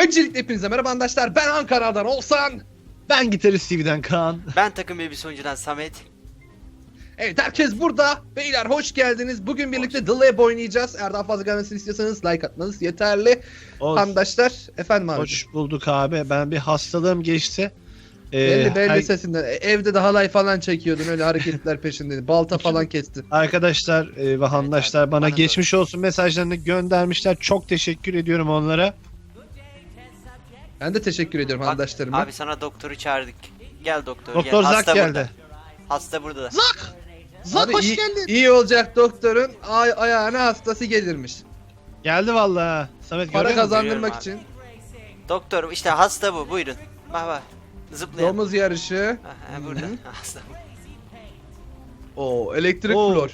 Öncelikle hepinize merhaba arkadaşlar. Ben Ankara'dan Oğuzhan. Ben gitarist TV'den Kaan. Ben takım elbise oyuncudan Samet. Evet, herkes burada. Beyler hoş geldiniz. Bugün birlikte The Lab oynayacağız. Eğer daha fazla gelmesini istiyorsanız like atmanız yeterli. Arkadaşlar efendim abi. Hoş bulduk abi. Ben bir hastalığım geçti. Belli sesinden. Evde de halay falan çekiyordun, öyle hareketler peşindeydin. Balta falan kestin. Arkadaşlar ve handaşlar abi, bana bana geçmiş olsun mesajlarını göndermişler. Çok teşekkür ediyorum onlara. Ben de teşekkür ediyorum arkadaşlarıma. Abi sana doktoru çağırdık. Gel doktor, Doktor gel. Zak Hasta geldi. burada. Hasta burada da. Zak! Abi Zak hoş iyi, geldin. iyi olacak doktorun ayağına hastası gelirmiş. Geldi vallahi. Samet Para görüyor musun? kazandırmak Görüyorum için. Doktor işte hasta bu, buyurun. Bak bak. Zıplayan. Domuz yarışı. Aha, burada. Hasta bu. Oo, elektrik Oo. flor.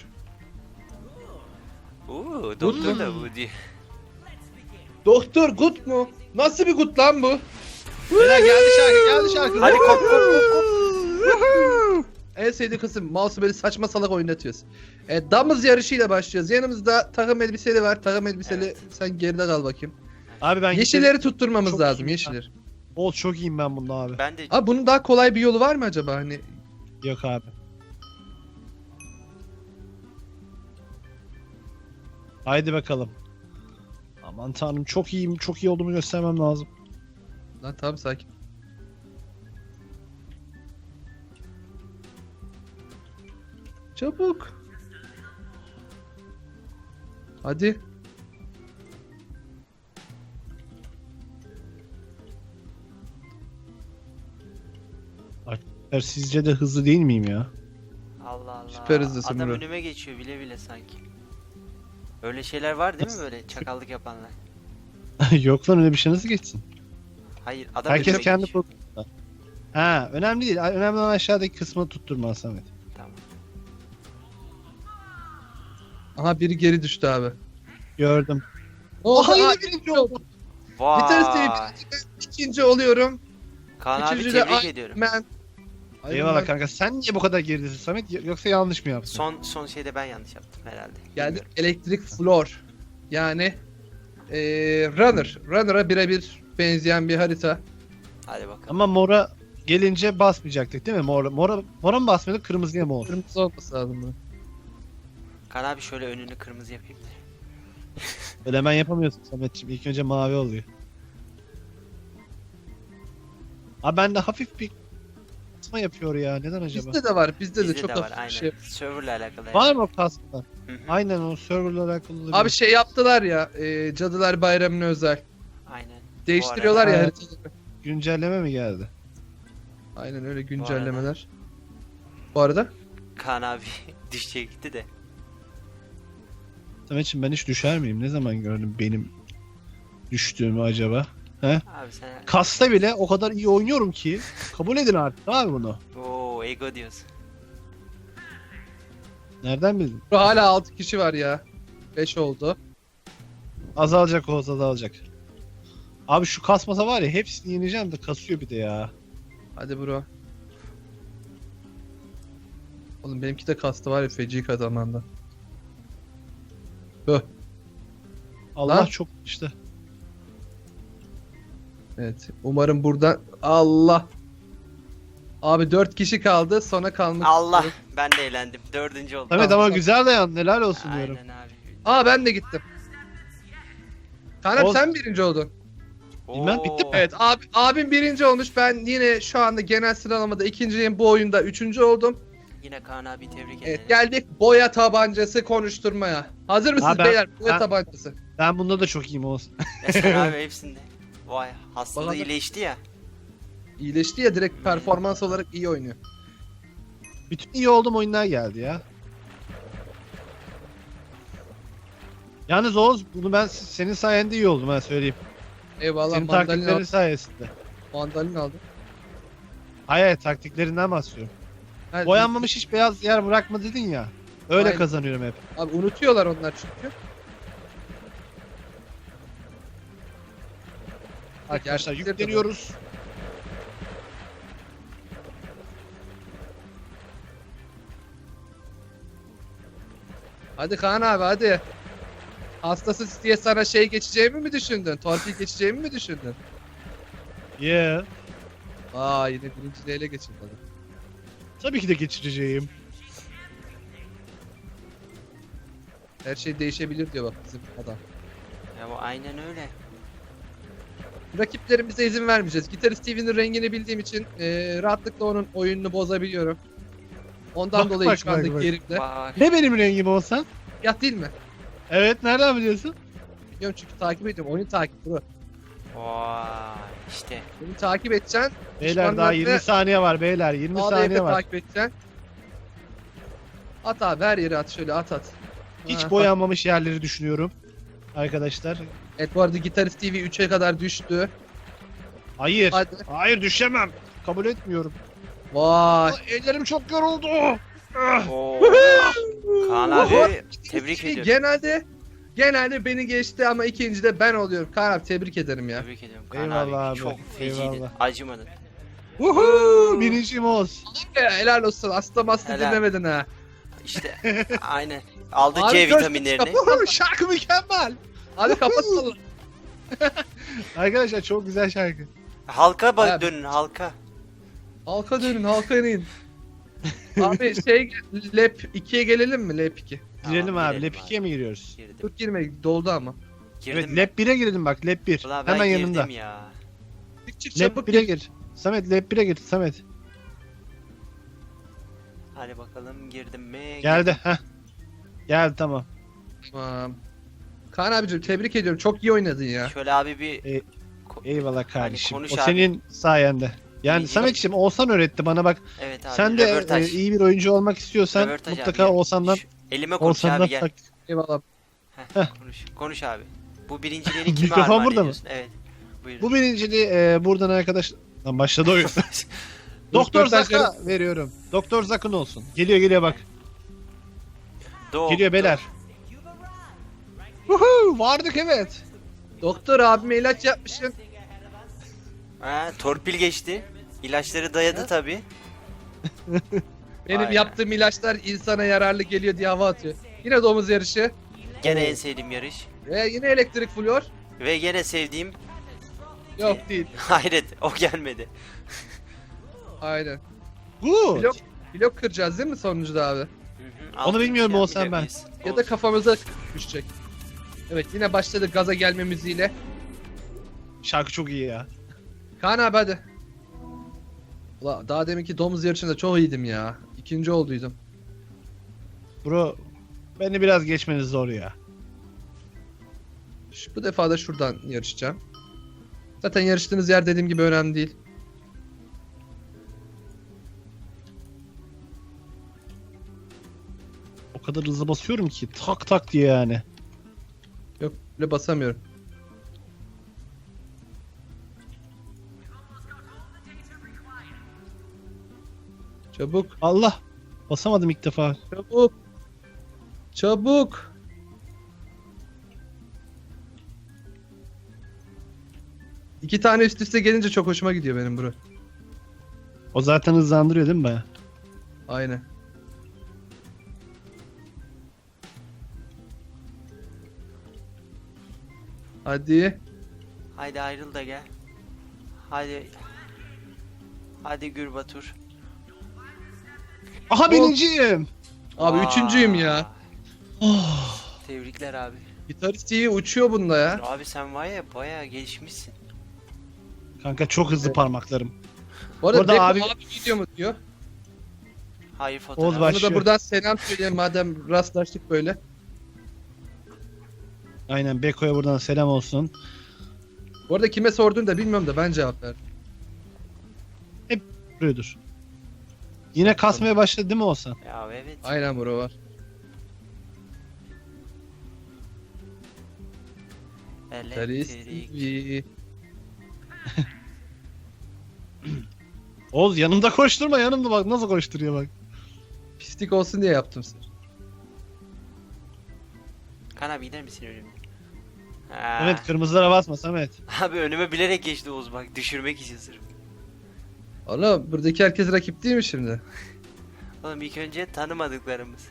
Doktor da bu diyor. Doktor gut mu? Nasıl bir gut lan bu? Beyler geldi şarkı. Hadi kop kop kop kop. En sevdiğim kısım, mouse'u böyle saçma salak oynatıyoruz. Damız yarışıyla başlıyoruz. Yanımızda takım elbiseli var. Takım elbiseli, Evet. sen geride kal bakayım. Abi ben Yeşilleri tutturmamız Çok lazım, iyi. yeşilleri. Çok iyiyim ben bunda abi. Ben de Abi bunun daha kolay bir yolu var mı acaba hani? Yok abi. Haydi bakalım. Aman tanrım çok iyiyim. Çok iyi olduğumu göstermem lazım. Lan tamam, sakin. Çabuk. Hadi. Sizce de hızlı değil miyim ya? Allah Allah. Süper hızlısın Adam bro. önüme geçiyor bile bile sanki. Öyle şeyler var değil mi böyle çakallık yapanlar? Yok lan öyle bir şey nasıl geçsin? Hayır, adam Herkes önüme kendi geçiyor. programında. Ha, önemli değil. Önemli olan aşağıdaki kısmı tutturma Samet. Tamam. Aha, biri geri düştü abi. Gördüm. Oha, Aha, yine yine birinci oldum. Bir tanesi Vay. ikinci oluyorum. Kaan abi Üçüncü de tebrik Iron ediyorum. Man. Eyvallah kanka. Sen niye bu kadar geridesin Samet? Yoksa yanlış mı yaptın? Son şeyde ben yanlış yaptım herhalde. Geldi Bilmiyorum. elektrik floor. Yani Runner'a birebir benzeyen bir harita. Hadi bakalım. Ama mora gelince basmayacaktık değil mi? Mora mı basmıyorduk? Kırmızıya mı oldu? Kırmızı olması lazım bu. Kaan abi şöyle önünü kırmızı yapayım da. Öyle hemen yapamıyorsun Sametciğim. İlk önce mavi oluyor. Abi bende hafif bir kasma yapıyor ya. Neden acaba? Bizde de var. Bizde de Bizde çok de var hafif aynen. bir şey. Serverla alakalı. Var mı o kasma? Hı hı. Aynen o serverla alakalı. olabilir. Abi şey yaptılar ya, Cadılar Bayramı'na özel. Aynen. Değiştiriyorlar Bu ya arada- haritaları. Güncelleme mi geldi? Aynen öyle güncellemeler. Bu arada Kaan abi düşecekti de. Sametciğim ben hiç düşer miyim? Ne zaman gördüm benim düştüğümü acaba? Abi sen Kasta bile o kadar iyi oynuyorum ki. Kabul edin artık abi bunu. ego diyorsun. Nereden bildin? hala 6 kişi var ya. 5 oldu. Azalacak o azalacak. Abi şu kasmasa var ya hepsini yeneceğim de kasıyor bir de ya. Hadi bro. Oğlum benimki de kastı var ya, feci kazanmanda. Höh. Allah Lan. çok işte. Evet. Umarım buradan... Allah. Abi 4 kişi kaldı. Sona kalmak Allah, istiyorum. ben de eğlendim. 4. oldum. Samet Tamam, ama tamam. güzel dayan helal olsun diyorum. Aynen abi. Aa, ben de gittim. Kanem Ol- sen birinci oldun. Bilmem, bitti mi? Evet, abim birinci olmuş. Ben yine şu anda genel sıralamada ikinciyim. Bu oyunda üçüncü oldum. Yine Kaan abi tebrik ederim. Evet, geldik boya tabancası konuşturmaya. Hazır mısınız ben- beyler? Boya ben- tabancası. Ben bunda da çok iyiyim olsun. Mesela abi hepsinde. Vay, hastalığı Bana da- iyileşti ya. İyileşti ya, direkt performans olarak iyi oynuyor. Bütün iyi olduğum oyunlar geldi ya. Yalnız Oğuz bunu ben senin sayende iyi oldum ha söyleyeyim. Eyvallah, Senin mandalina taktiklerin aldım. sayesinde. Mandalina aldım. Hayır taktiklerinden bahsediyorum. Ha, Boyanmamış hiç beyaz yer bırakma dedin ya. Öyle Aynen. kazanıyorum hep. Abi unutuyorlar onlar çünkü. Arkadaşlar Gerçekten de yükleniyoruz. Hadi Kaan abi, hadi. Hastası diye sana şey geçeceğimi mi düşündün? Torpil geçeceğimi mi düşündün? Yeah. Aa yine birinciliği ele geçirdi adam. Tabii ki de geçireceğim. Her şey değişebilir diyor bak bizim adam. Ya bu aynen öyle. Rakiplerimize izin vermeyeceğiz. Gitarist Steven'in rengini bildiğim için rahatlıkla onun oyununu bozabiliyorum. Ondan Bak, dolayı bak, şu anda bak, bak. gerimde. Bak. Ne benim rengim olsan? Ya değil mi? Evet, nereden biliyorsun? Biliyorum çünkü takip ediyorum. Oyunu takip bro. Vay işte. Oyunu takip edeceksin. Beyler daha 20 saniye var beyler. 20 Sağda saniye evde var. takip edeceksin. At abi her yere at şöyle at. Hiç Ha, boyanmamış yerleri düşünüyorum. Arkadaşlar. Evet bu arada Gitarist TV 3'e kadar düştü. Hayır. Hadi. Hayır düşemem. Kabul etmiyorum. Vay. Ellerim çok yoruldu. Oo. Kaan abi tebrik Şey, ediyorum. genelde beni geçti ama ikinci de ben oluyorum. Kaan abi tebrik ederim ya. Tebrik ediyorum Kaan Eyvallah abi. abi, Çok feciydin. eyvallah. Acımadın. Woohoo! Birincim Oğuz. Helal olsun. Asla bastı Helal. dinlemedin ha. İşte aynen. Aldı Abi C gör- vitaminlerini. Woohoo! Şarkı mükemmel. Hadi kapatsana. Arkadaşlar çok güzel şarkı. Halka bak Abi. dönün halka. Halka dönün halka inin. Abi şey Lep 2'ye gelelim mi Lep 2? Girelim Tamam, abi. Lep 2'ye mi giriyoruz? Girdim. Dur girme doldu ama. Girdim Evet mi? Lep 1'e girelim bak. Lep 1. Ulan ben Hemen girdim yanında. ya. Çık Lep çabuk 1'e gir. gir. Samet Lep 1'e gir Samet. Hadi bakalım girdim mi? Geldi. Heh. Geldi tamam. Tamam. Kaan abicim tebrik ediyorum. Çok iyi oynadın ya. Şöyle abi bir E, Eyvallah kardeşim. konuş O abi. senin sayende. Yani Birinci- Samet'ciğim Oğuzhan öğretti bana bak. evet abi. Sen de röportaj. iyi bir oyuncu olmak istiyorsan Röportaj abi, mutlaka gel. Oğuzhan'dan Şu elime konuş abi Oğuzhan'dan gel. tak. Eyvallah. Konuş. Konuş abi. Bu birinciliğini kime Mikrofon armağan burada mı? ediyorsun? Evet. Buyurun. Bu birinciliği buradan arkadaş... Lan başladı oyun. Doktor Zak'a veriyorum. Doktor Zak'ın olsun. Geliyor bak. Geliyor beyler. Woohoo! Vardık evet. Doktor abime ilaç yapmışsın. Ha, torpil geçti. İlaçları dayadı Ha? tabi. Benim Aynen. yaptığım ilaçlar insana yararlı geliyor diye hava atıyor. Yine domuz yarışı. Gene en sevdiğim yarış. Ve yine elektrik flor. Ve gene sevdiğim Yok değil. hayret o gelmedi. Aynen. Good. Blok kıracağız değil mi sonuncuda abi? Hı hı, Onu altı bilmiyorum kişi Oğuzhan ben. yapabiliriz. Ya da Olsun. kafamıza düşecek. Evet yine başladı gaza gelme müziğiyle. Şarkı çok iyi ya. Kaan abi hadi. Ula daha deminki domuz yarışında çok iyiydim ya. İkinci olduydum. Bro beni biraz geçmeniz zor ya. Bu defa da şuradan yarışacağım. Zaten yarıştığınız yer dediğim gibi önemli değil. O kadar hızlı basıyorum ki tak tak diye yani. Yok öyle basamıyorum. Çabuk, Allah. Basamadım ilk defa. çabuk. Çabuk. İki tane üst üste gelince çok hoşuma gidiyor benim bro. O zaten hızlandırıyor değil mi baya? Aynen. Hadi. Haydi ayrıl da gel. Hadi. Hadi Gürbatur. Aha birinciyim. Abi Vay. üçüncüyüm ya. Oh. Tebrikler abi. Gitarist iyi uçuyor bunda ya. Abi sen var ya bayağı gelişmişsin. Kanka çok hızlı parmaklarım. Bu arada Orada Beko abi- abi video mu diyor. Hayır Oğuz fotoğraf. baş- Onu da Başlıyor. buradan selam söyleyeyim madem rastlaştık böyle. Aynen Beko'ya buradan selam olsun. Bu arada kime sorduğunu da bilmiyorum da ben cevap verdim. Duruyordur. Yine kasmaya başladı değil mi Oğuzhan? Ya evet. Aynen bro var. Gitarist Elektrik. TV. Oğuz yanımda koşturma yanımda bak nasıl koşturuyor bak. Pislik olsun diye yaptım seni. Kan abi gider misin önüme? Ha. Evet kırmızılara basma Samet. Abi önüme bilerek geçti Oğuz bak düşürmek için sırf. Oğlum buradaki herkes rakip değil mi şimdi? Oğlum ilk önce tanımadıklarımız.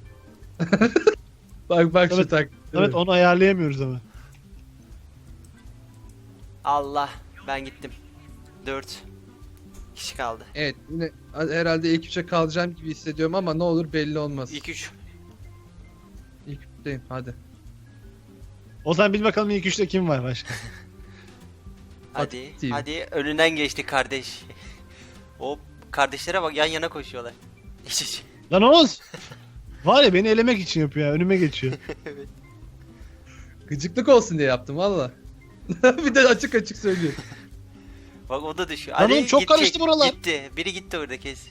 Bak şu Evet, tak. Samet onu ayarlayamıyoruz ama. Allah ben gittim. 4 kişi kaldı. Evet yine herhalde ilk 3'e kalacağım gibi hissediyorum ama ne olur belli olmaz. İlk 3. İlk 3'teyim hadi. Ozan bil bakalım ilk üçte kim var başka? Hadi. TV. Hadi önünden geçti kardeş. Hop. Kardeşlere bak yan yana koşuyorlar. İç iç. Lan Oğuz! Var ya beni elemek için yapıyor ya. Önüme geçiyor. Evet. Gıcıklık olsun diye yaptım valla. Bir de açık açık söylüyorum. Bak o da düşüyor. Lan oğlum çok karıştı buralar. Gitti. Biri gitti orada kes.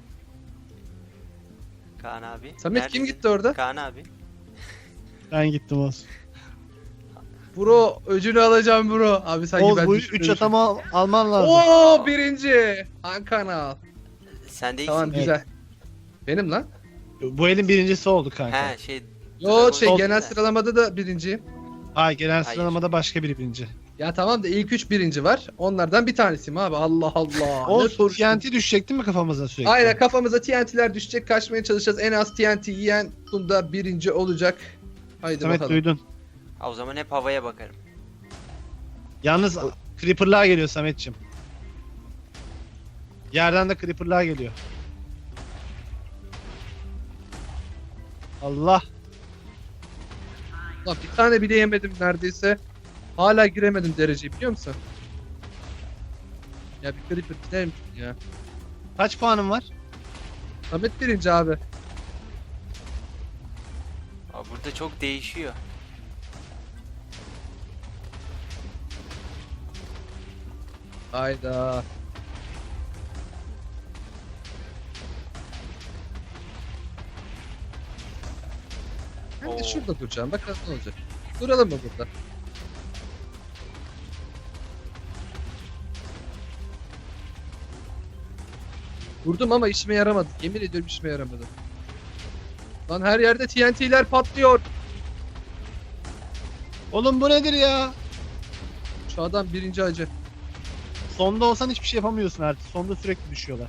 Kaan abi. Samet kim neredesin? gitti orada? Kaan abi. Ben gittim Oğuz. Bro öcünü alacağım bro. Abi sanki Oğuz ben bu düşmüşüm. 3 atama alman lazım. Oo birinci. Han kanal. Sen de Tamam iyisin. güzel. Benim lan. Bu elin birincisi oldu kanka. He şey. Yo şey Sol- genel sıralamada da birinciyim. Hayır genel Hayır. sıralamada başka biri birinci. Ya tamam da ilk 3 birinci var. Onlardan bir tanesiyim abi. Allah Allah. Ne Oğuz soruştun? TNT düşecek değil mi kafamıza sürekli? Aynen kafamıza TNT'ler düşecek. Kaçmaya çalışacağız. En az TNT yiyen bunda birinci olacak. Haydi Samet bakalım. duydun. Ha, o zaman hep havaya bakarım. Yalnız creeper'lar geliyor Sametçim. Yerden de creeper'lar geliyor. Allah. Lan bir tane bile yemedim neredeyse. Hala giremedim dereceyi biliyor musun? Ya bir creeper gider misin ya? Kaç puanın var? Samet birinci abi. Abi burada çok değişiyor. Hayda. Ben de Oo. şurada duracağım. Bakalım ne olacak. Duralım mı burada? Vurdum ama işime yaramadı. Yemin ediyorum işime yaramadı. Lan her yerde TNT'ler patlıyor. Oğlum bu nedir ya? Şu adam birinci acı. Sonda olsan hiçbir şey yapamıyorsun artık. Sonda sürekli düşüyorlar.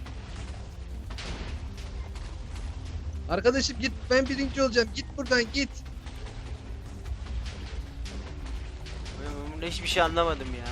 Arkadaşım git ben birinci olacağım. Git buradan git. Ben bunda hiçbir şey anlamadım ya.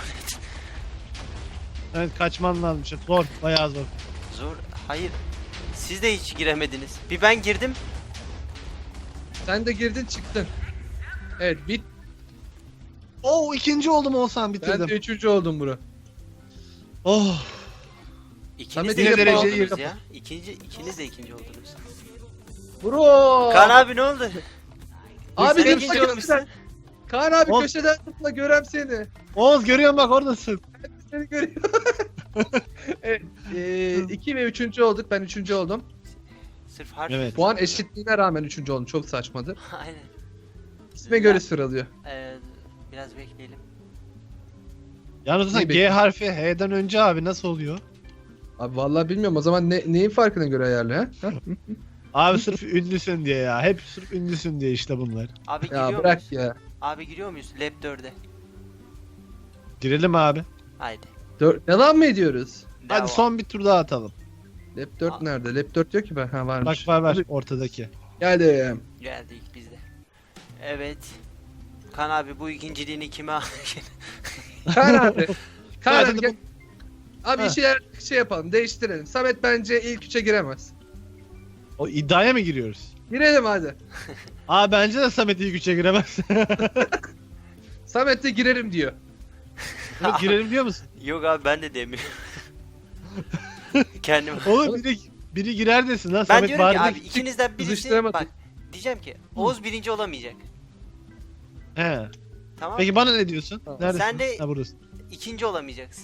Evet kaçman lazım. İşte. Zor. Bayağı zor. Zor. Hayır. Siz de hiç giremediniz. Bir ben girdim. Sen de girdin çıktın. Evet bit. Oo ikinci oldum olsam bitirdim. Ben de üçüncü oldum bro. Oh. İkiniz Samet de yine ikinci dereceyi oldunuz yap- ya. İkiniz de ikinci oldunuz. Bro. Kaan abi ne oldu? Abi Sen dur ikinci sakın olmuşsun. sen. Kaan abi Oğlum. köşeden tıkla görem seni. Oğuz görüyorum bak oradasın. Seni görüyorum. Evet. 2 ve 3. olduk. Ben 3. oldum. Sırf harf. Evet. Puan eşitliğine rağmen 3. oldum. Çok saçmadı. Aynen. İsme göre sıralıyor. Biraz bekleyelim. Yalnız sen İyi G harfi H'den önce abi nasıl oluyor? Abi vallahi bilmiyorum. O zaman neyin farkına göre ayarlıyor ha? Abi sırf ünlüsün diye ya. Hep sırf ünlüsün diye işte bunlar. Abi giriyor Ya bırak muyuz? ya. Abi giriyor muyuz? Lab 4'e. Girelim abi. Haydi. Devam mı ediyoruz? Devam. Hadi son bir tur daha atalım. Lab 4 nerede? Lab 4 yok ki ben. Ha Bak varmış. var ortadaki. Geldim. Geldik biz de. Evet. Kan abi bu ikinciliğini kime al? Kaan abi. Kaan Hadi abi gel. Abi Ha. şey yapalım. Değiştirelim. Samet bence ilk 3'e giremez. O iddiaya mı giriyoruz? Girelim hadi. Aa bence de Samet iyi güçe giremez. Samet de girerim diyor. Evet, girelim diyor musun? Yok abi ben de demiyorum. Kendim. Oğlum biri girer desin lan Ben Samet diyorum ki bari. abi ikinizden birisi kızıştıramadık. bak diyeceğim ki Oğuz birinci olamayacak. He. Tamam? Peki bana ne diyorsun? Tamam. Neredesin? Sen de- Ha buradasın. İkinci olamayacaksın.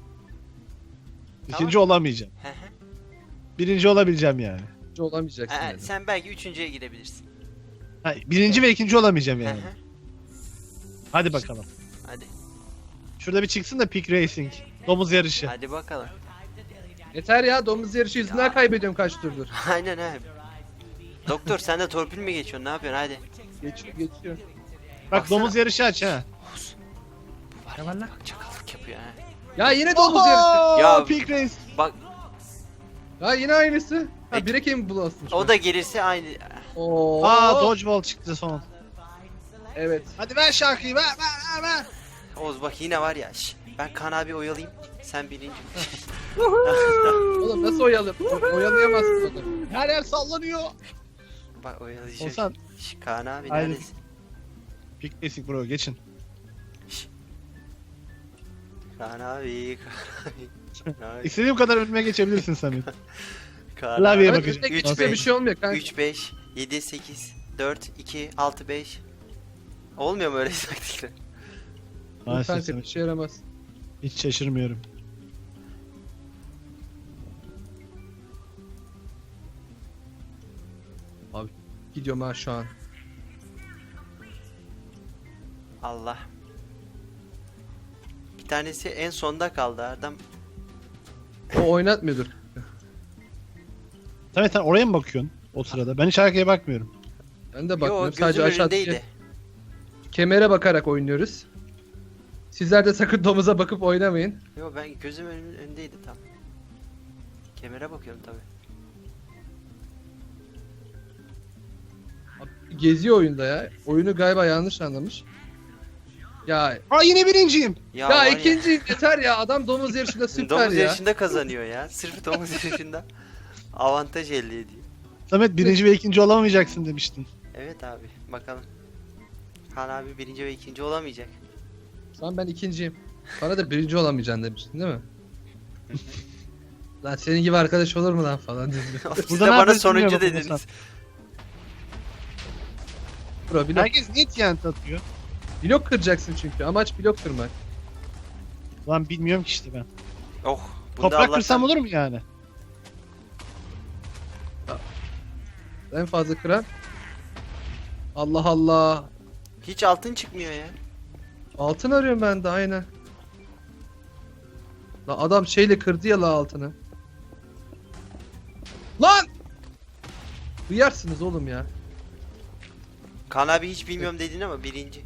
İkinci olamayacağım. Hı hı. Birinci olabileceğim yani. Hiç olamayacaksın. Ha, dedi. sen belki üçüncüye gidebilirsin. Ha, birinci ve ikinci olamayacağım Hı yani. hı. Hadi bakalım. Hadi. Şurada bir çıksın da Peak Racing. Domuz yarışı. Hadi bakalım. Yeter ya domuz yarışı yüzünden kaybediyorum kaç turdur. Aynen abi. Doktor sen de torpil mi geçiyorsun? Ne yapıyorsun? Hadi. Geçiyor. Bak Baksana. domuz yarışı aç ha. Bu var Ne ya, var lan? bak çakallık yapıyor ha. Ya yine domuz yarışı. Ya- Peak Race. Bak Ya yine aynısı. Ha Peki. bire kim bulasın? o da gelirse aynı. Oo. Aa Dodgeball çıktı son. Evet. Hadi ver şarkıyı ver. Oğuz bak yine var ya. Ben Kaan abi oyalayayım. Sen birinci. Oğlum nasıl oyalayamazsın onu. Her yer sallanıyor. Bak oyalayacağım. Olsan. Kaan abi Haydi. neredesin? Pick basic bro geçin. Kaan abi. Kaan abi. İstediğim kadar önüme geçebilirsin Samet. Kaan Klavyeye abi. Evet, bakacağım. önüne Üç, geçince bir beş. şey olmuyor kanka. 3 5 7 8 4 2 6 5. Olmuyor mu öyle taktikler? Maalesef Kanka bir Samet. şey yaramaz. Hiç şaşırmıyorum. Abi gidiyorum ha şu an. Allah. Bir tanesi en sonda kaldı adam. O oynatmıyordur. Samet sen oraya mı bakıyorsun o sırada? Ben hiç arkaya bakmıyorum. Ben de Yo bakmıyorum. gözüm Sadece önündeydi. aşağıdaki kemere bakarak oynuyoruz. Sizler de sakın domuza bakıp oynamayın. Yo ben gözüm önündeydi tam. Kemere bakıyorum tabi. Abi, geziyor oyunda ya. Oyunu galiba yanlış anlamış. Ya Aa yine birinciyim. Ya, ya var ikinci yeter ya. Adam domuz yarışında süper domuz ya. yarışında kazanıyor ya. Sırf domuz yarışında avantaj elde ediyor. Samet birinci ve ikinci olamayacaksın demiştin. Evet abi bakalım. Kaan abi birinci ve ikinci olamayacak. Şu an ben ikinciyim. Bana da birinci olamayacaksın demiştin değil mi? Lan senin gibi arkadaş olur mu lan falan dedim. Siz Burada de ne bana yapıyorsun sonuncu bilmiyorum dediniz. Hasan. Bro, blok, Herkes niye TNT atıyor? blok kıracaksın çünkü. Amaç blok kırmak. Lan bilmiyorum ki işte ben. Oh. Bunda Toprak Allah'tan kırsam olur mu yani? En fazla kıran. Allah Allah. hiç altın çıkmıyor ya. Altın arıyorum ben de aynen. La adam şeyle kırdı ya la altını. Lan! Duyarsınız oğlum ya. Kaan abi hiç bilmiyorum dedin ama birinci.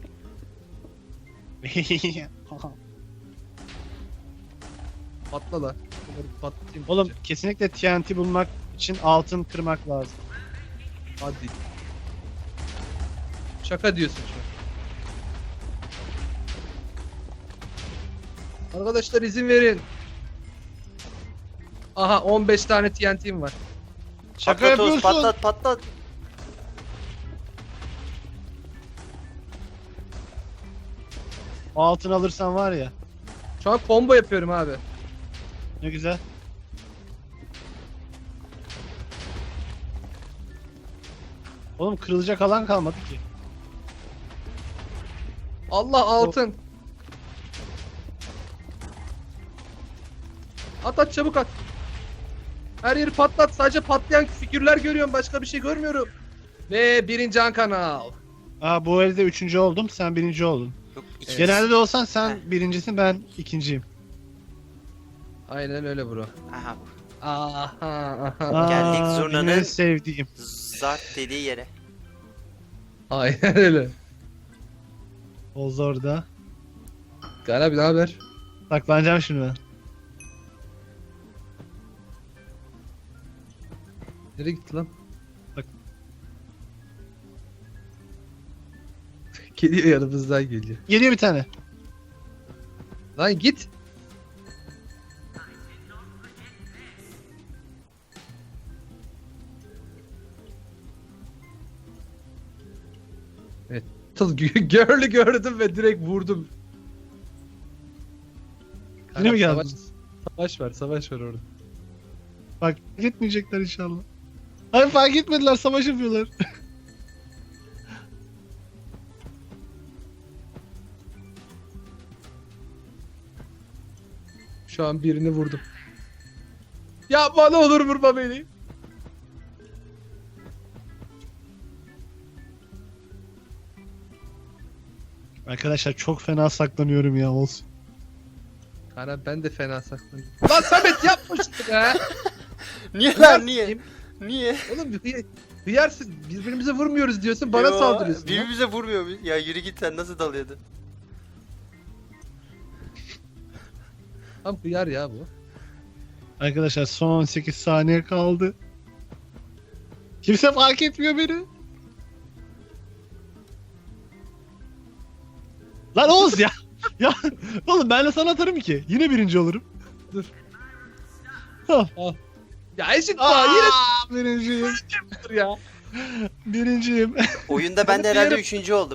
Patla la. Bunları patlatayım. Oğlum önce. kesinlikle TNT bulmak için altın kırmak lazım. Hadi. Şaka diyorsun şu an. Arkadaşlar izin verin. Aha 15 tane TNT'm var. Şaka Patlat Oğuz, yapıyorsun. patlat patlat. O altın alırsan var ya. Şu an combo yapıyorum abi. Ne güzel. Oğlum kırılacak alan kalmadı ki. Allah altın. At çabuk at. Her yeri patlat. Sadece patlayan figürler görüyorum. Başka bir şey görmüyorum. Ve birinci an kanal. Aa bu elde üçüncü oldum, sen birinci oldun. Yok, iki- Genelde de olsan sen Heh. birincisin, ben ikinciyim. Aynen öyle bro. Aha bu. Aha aha. Aa, Geldik benim zurnanın- en sevdiğim. Zart dediği yere. Aynen öyle. Oz orada. Gel abi ne haber? Saklanacağım şimdi ben. Nereye gitti lan? Bak. Geliyor yanımızdan geliyor. Geliyor bir tane. Lan git. Evet. Girl'ü gördüm ve direkt vurdum. Yine mi Savaş- geldin? Savaş var orada. Bak gitmeyecekler inşallah. Hayır fark etmediler, savaş yapıyorlar. Şu an birini vurdum. Yapma ne olur vurma beni. Arkadaşlar çok fena saklanıyorum ya, olsun. Kana ben de fena saklanıyorum. Lan Samet yapma şunu be. Niye lan niye? Niye? Oğlum hıyarsın. Birbirimize vurmuyoruz diyorsun bana Yo, saldırıyorsun. ya. Birbirimize vurmuyor muyuz? Ya yürü git sen nasıl dalıyordun? Tam hıyar ya bu. Arkadaşlar son 18 saniye kaldı. Kimse fark etmiyor beni. Lan Oğuz ya. Oğlum ben de sana atarım ki. Yine birinci olurum. Dur. Hah. Ya eşit puan yine Birinciyim. dur ya. Birinciyim. Oyunda ben de Hadi herhalde diyelim. 3. oldum.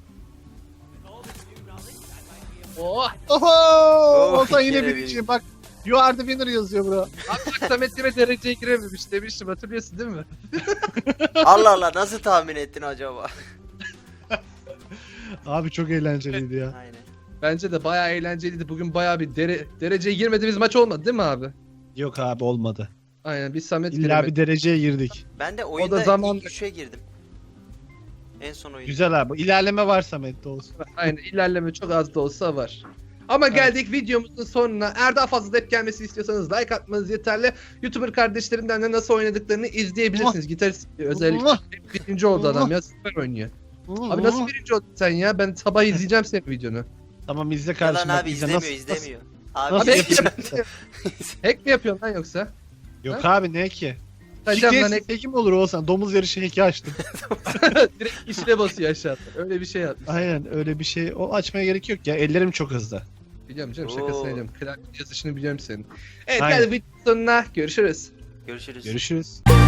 Oh. Oho! Olsan yine yine birinciyim. Bak. You are the winner yazıyor bura. Abi bak Samet yine dereceye girememiş demiştim, hatırlıyorsun değil mi? Allah Allah, nasıl tahmin ettin acaba? Abi çok eğlenceliydi ya. Aynen. Bence de bayağı eğlenceliydi. Bugün bayağı bir dereceye girmediğimiz maç olmadı değil mi abi? Yok abi olmadı. Aynen, biz Samet İlla giremedik. bir dereceye girdik. Ben de oyunda zaman- ilk 3'e girdim. En son oyun. Güzel abi. İlerleme var Samet'te olsun. Aynen, ilerleme çok az da olsa var. Ama geldik videomuzun sonuna. Eğer daha fazla dep gelmesi istiyorsanız like atmanız yeterli. YouTuber kardeşlerimden de nasıl oynadıklarını izleyebilirsiniz. Gitarist özellikle. Hep birinci oldu adam ya, süper oynuyor. Abi nasıl birinci oldun sen ya? Ben sabah izleyeceğim senin videonu. Tamam izle Yalan kardeşim. abi, izle. izlemiyor Nasıl- izlemiyor. Nasıl Abi Abi yapıyorsun? hack mi yapıyorsun lan yoksa? Yok abi ne ki? Hocam lan hack Hack'im olur olsan. Domuz yarışı hack'i açtım. direkt işle basıyor aşağıda. Öyle bir şey yapmış. Aynen öyle bir şey. O açmaya gerek yok ya. Ellerim çok hızlı. Biliyorum canım, Oo. şakasını ediyorum. Klavye yazışını biliyorum senin. Evet, Aynen. geldik videonun sonuna. Görüşürüz. görüşürüz. Görüşürüz.